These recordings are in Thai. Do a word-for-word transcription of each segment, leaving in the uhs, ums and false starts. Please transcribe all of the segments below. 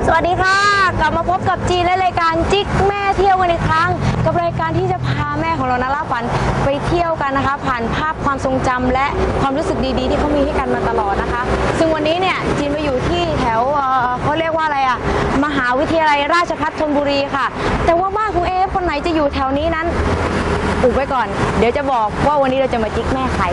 สวัสดีค่ะกลับมาพบกับจีนและรายการจิ๊กแม่เที่ยวกันอีกครั้งกับรายการที่จะพาแม่ของเรานะล่าฝันไปเที่ยวกันนะคะผ่านภาพความทรงจำและความรู้สึกดีๆที่เขามีให้กันมาตลอดนะคะซึ่งวันนี้เนี่ยจีนมาอยู่ที่แถวเอ่อเขาเรียกว่าอะไรอะมหาวิทยาลัยราชภัฏธนบุรีค่ะแต่ว่าบ้านคุณเอฟคนไหนจะอยู่แถวนี้นั้นอุบไว้ก่อนเดี๋ยวจะบอกว่าวันนี้เราจะมาจิ๊กแม่ใคร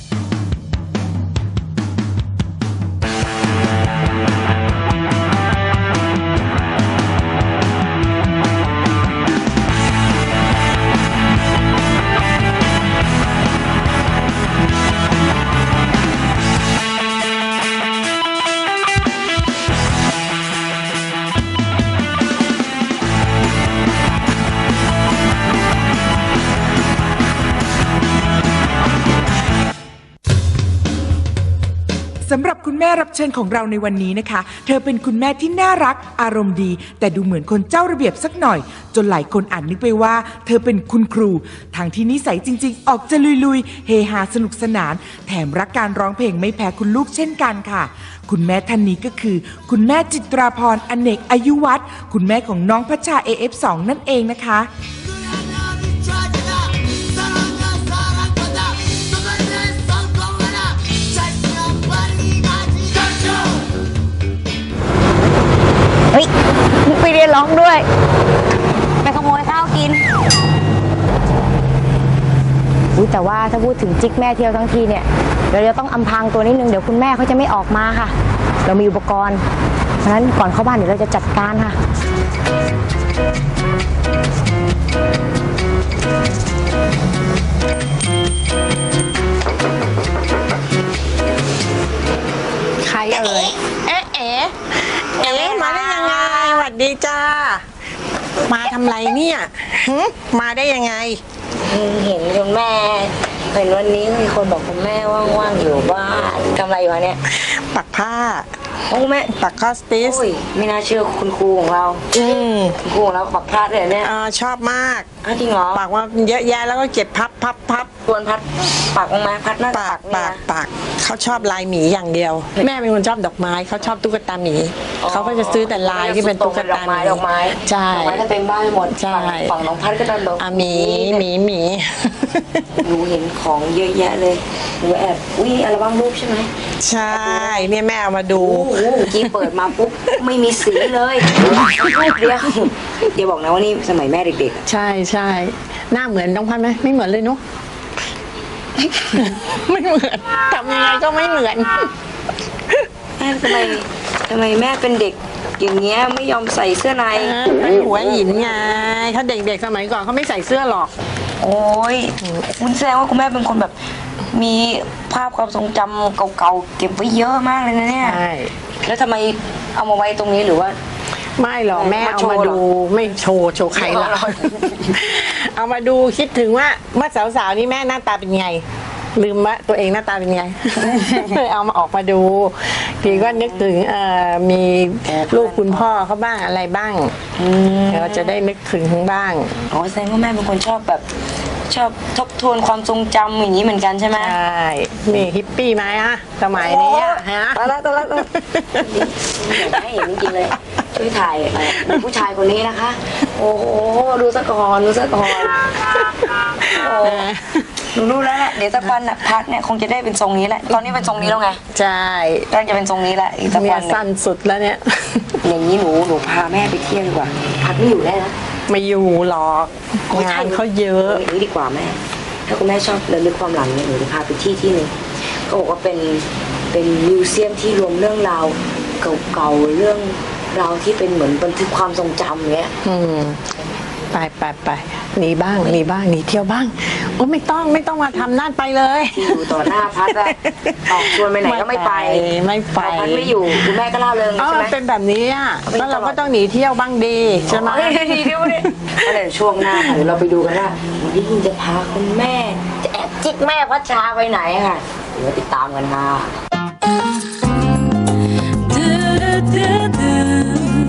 สำหรับคุณแม่รับเชิญของเราในวันนี้นะคะเธอเป็นคุณแม่ที่น่ารักอารมณ์ดีแต่ดูเหมือนคนเจ้าระเบียบสักหน่อยจนหลายคนอ่านนึกไปว่าเธอเป็นคุณครูทางที่นิสัยจริงๆออกจะลุยๆเฮฮาสนุกสนานแถมรักการร้องเพลงไม่แพ้คุณลูกเช่นกันค่ะคุณแม่ท่านนี้ก็คือคุณแม่จิตราพรอเนกอายุวัฒน์คุณแม่ของน้องพัชชา เอ เอฟ สอง นั่นเองนะคะเฮ้ยไปเรียนร้องด้วยไปขโมยข้าวกินอุ๊ยแต่ว่าถ้าพูดถึงจิ๊กแม่เที่ยวทั้งทีเนี่ยเราจะต้องอำพรางตัวนิดนึงเดี๋ยวคุณแม่เขาจะไม่ออกมาค่ะเรามีอุปกรณ์เพราะฉะนั้นก่อนเข้าบ้านเดี๋ยวเราจะจัดการค่ะใครเอ่ยเอ๊ะเอ๊ะเอ๊ะมาได้ยังไงสวัสดีจ้ามาทำไรเนี่ยมาได้ยังไงเห็นคุณแม่เห็นวันนี้มีคนบอกคุณแม่ว่างๆอยู่บ้านทำอะไรอยู่เนี่ยปักผ้าโอ้แม่ปักคอสติสไม่น่าเชื่อคุณครูของเราอืมคุณครูของเราปักผ้าเลยเนี่ยอ่าชอบมากจริงเหรอปักว่าเยอะแยะแล้วก็เก็บพับพับพับควรพัดปักลงมาพัดหน้าปักปักปักเขาชอบลายหมีอย่างเดียวแม่เป็นคนชอบดอกไม้เขาชอบตุ๊กตาหมีเขาก็จะซื้อแต่ลายที่เป็นตุ๊กตาหมีดอกไม้ใช่ดอกไม้จะเต็มบ้านหมดใช่ฝั่งน้องพัดก็โดนดอกหมีหมีหมีหนูเห็นของเยอะแยะเลยหนูแอบอุ้ยอัลบั้มรูปใช่ไหมใช่เนี่ยแม่เอามาดูกี้เปิดมาปุ๊บไม่มีสีเลยเดียวเดี๋ยวบอกนะว่านี่สมัยแม่เด็กๆใช่ใช่หน้าเหมือนน้องพัดไหมไม่เหมือนเลยเนาะไม่เหมือนทำยังไงก็ไม่เหมือนแม่ทำไมทำไมแม่เป็นเด็กอย่างเงี้ยไม่ยอมใส่เสื้อในเป็นหัวหินไงถ้าเด็กๆสมัยก่อนเขาไม่ใส่เสื้อหรอกโอ้ยคุณแสดงว่าคุณแม่เป็นคนแบบมีภาพความทรงจำเก่าๆเก็บไว้เยอะมากเลยนะเนี่ยใช่แล้วทำไมเอามาไว้ตรงนี้หรือว่าไม่หรอกแม่เอามาดูไม่โชว์โชว์ใครล่ะเอามาดูคิดถึงว่าเมื่อสาวๆนี่แม่หน้าตาเป็นไงลืมว่าตัวเองหน้าตาเป็นไงเอามาออกมาดูทีก็นึกถึงมีลูกคุณพ่อเขาบ้างอะไรบ้างเราจะได้นึกถึงบ้างอ๋อแสดงว่าแม่เป็นคนชอบแบบชอบทบทวนความทรงจำอย่างนี้เหมือนกันใช่ไหมใช่มีฮิปปี้ไหมอะสมัยนี้ฮะตอนแรกตอนแรกอยากให้เห็นจริงๆเลยช่วยถ่ายผู้ชายคนนี้นะคะโอ้โหดูสะก่อนดูสะก่อนหนูรู้แล้วแหละเดี๋ยวสักวันน่ะพัดเนี่ยคงจะได้เป็นทรงนี้แหละตอนนี้เป็นทรงนี้แล้วไงใช่ก็จะเป็นทรงนี้แหละอีกสักวันสั้นสุดแล้วเนี่ยอย่างนี้หนูหนูพาแม่ไปเที่ยวดีกว่าพัดไม่อยู่ได้นะไม่อยู่หรอกงานเขาเยอะอย่างนี้ดีกว่าแม่ถ้าคุณแม่ชอบเรื่องความหลังเนี่ยหนูจะพาไปที่ที่หนึ่งเขาบอกว่าเป็นเป็นมิวเซียมที่รวมเรื่องราวเก่าๆเรื่องราวที่เป็นเหมือนบันทึกความทรงจำเนี้ยอืมไปไปไปหนีบ้างหนีบ้างหนีเที่ยวบ้างโอ้ไม่ต้องไม่ต้องมาทำนั่นไปเลยอยู่ต่อหน้าพัดอะออกชวนไปไหนก็ไม่ไปไม่ไปพัดไม่อยู่คุณแม่ก็เล่าเริงใช่ไหมเป็นแบบนี้อ่ะแล้วเราก็ต้องหนีเที่ยวบ้างดีใช่ไหมหนีเที่ยวดิก็เลยช่วงหน้าเดี๋ยวเราไปดูกันว่าวันนี้จะพาคุณแม่จะแอบจิกแม่พัชชาไปไหนค่ะเดี๋ยวติดตามกันค่ะ